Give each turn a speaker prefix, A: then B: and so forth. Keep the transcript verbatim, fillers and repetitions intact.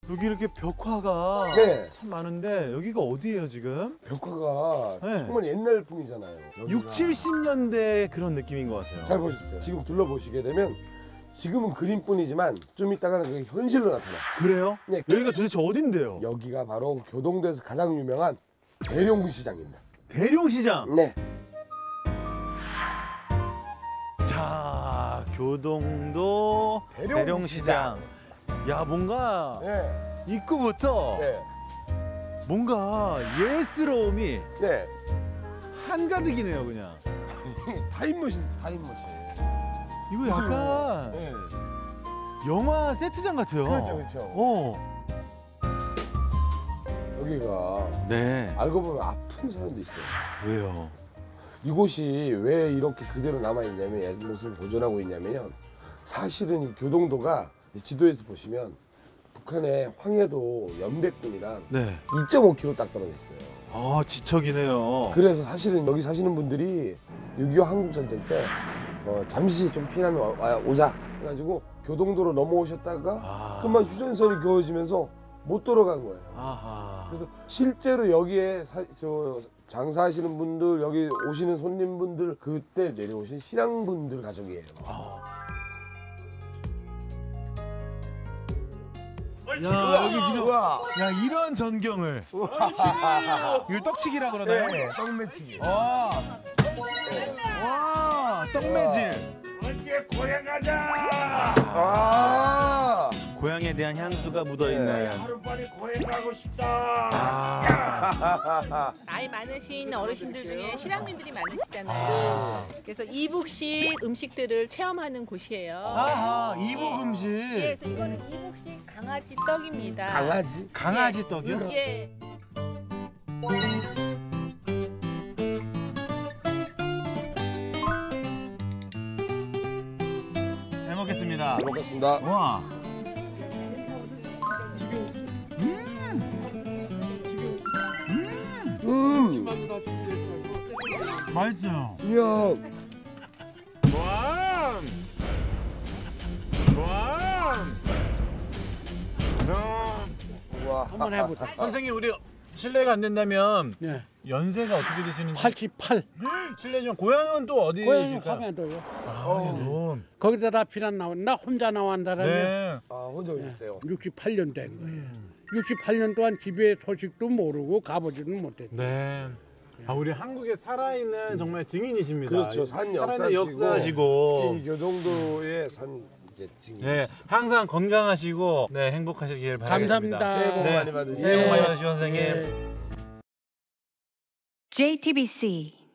A: 여기 이렇게 벽화가
B: 네.
A: 참 많은데 여기가 어디예요 지금?
B: 벽화가
A: 네.
B: 정말 옛날풍이잖아요. 여기가.
A: 육, 칠십 년대 그런 느낌인 것 같아요.
B: 잘 보셨어요. 지금 둘러보시게 되면 지금은 그림뿐이지만 좀 이따가는 그게 현실로 나타나요.
A: 그래요?
B: 네.
A: 여기가 도대체 어딘데요?
B: 여기가 바로 교동도에서 가장 유명한 대룡시장입니다.
A: 대룡시장.
B: 네.
A: 자, 교동도
B: 대룡시장.
A: 대룡시장. 야, 뭔가
B: 네.
A: 입구부터
B: 네.
A: 뭔가 예스러움이
B: 네.
A: 한가득이네요, 그냥.
B: 타임머신, 타임머신.
A: 이거 약간
B: 네.
A: 영화 세트장 같아요.
B: 그렇죠, 그렇죠.
A: 어.
B: 여기가
A: 네.
B: 알고 보면 아픈 사람도 있어요.
A: 왜요?
B: 이곳이 왜 이렇게 그대로 남아있냐면, 옛 모습을 보존하고 있냐면요. 사실은 이 교동도가 지도에서 보시면 북한의 황해도 연백군이랑
A: 네.
B: 이 점 오 킬로미터 딱 떨어져 있어요.
A: 아, 지척이네요.
B: 그래서 사실은 여기 사시는 분들이 육이오 한국전쟁 때 어, 잠시 좀 피난을 와- 와- 오자 해가지고 교동도로 넘어오셨다가
A: 아.
B: 그만 휴전선이 그어지면서 못 돌아간 거예요.
A: 아하.
B: 그래서 실제로 여기에 사, 저 장사하시는 분들, 여기 오시는 손님분들, 그때 내려오신 신앙분들 가족이에요.
A: 야, 여기 지금
B: 우와.
A: 야, 이런 전경을. 이걸 떡치기라 그러나요?
B: 네, 떡매치기.
A: 와. 와, 떡매질.
C: 언제 고향 가자.
B: 아,
A: 고향에 대한 향수가 묻어 있는.
C: 하루빨리 고향 가고 싶다.
A: 아.
D: 나이 많으신 어르신들 중에 실향민들이 많으시잖아요. 그래서 이북식 음식들을 체험하는 곳이에요.
A: 아하, 이북 음식.
D: 예, 그래서 이거는 이북식 강아지 떡입니다.
B: 강아지?
A: 강아지 떡이요?
D: 예.
A: 잘 먹겠습니다.
B: 잘 먹겠습니다.
A: 와.
B: 음,
A: 맛있어요.
B: 이야.
A: 와. 와.
B: 와.
E: 한번 해보자.
A: 선생님, 우리 실례가 안 된다면
E: 예.
A: 연세가 어떻게 되시는지
E: 팔십팔.
A: 실례지만 고향은 또
E: 고향이
A: 어디이실까요?
E: 화면도요.
A: 아,
E: 거기다 다 피난 나온 나 혼자 나왔다라면
A: 네.
B: 아, 혼자 오셨어요.
E: 육십팔 년 된 거예요. 육십팔 년 동안 집에 소식도 모르고 가보지는 못했죠.
A: 네. 아, 우리 한국에 살아있는 정말 증인이십니다.
B: 그렇죠. 산
A: 살아있는
B: 역사시고,
A: 역사시고.
B: 특히 이 교동도의 산 이제 증인.
A: 네, 항상 건강하시고 네, 행복하시길 바라겠습니다.
E: 감사합니다.
B: 새해 복
A: 네,
B: 많이 받으시고.
A: 새해 복 많이
E: 예.
A: 받으시고 선생님.
E: 예.
F: 제이티비씨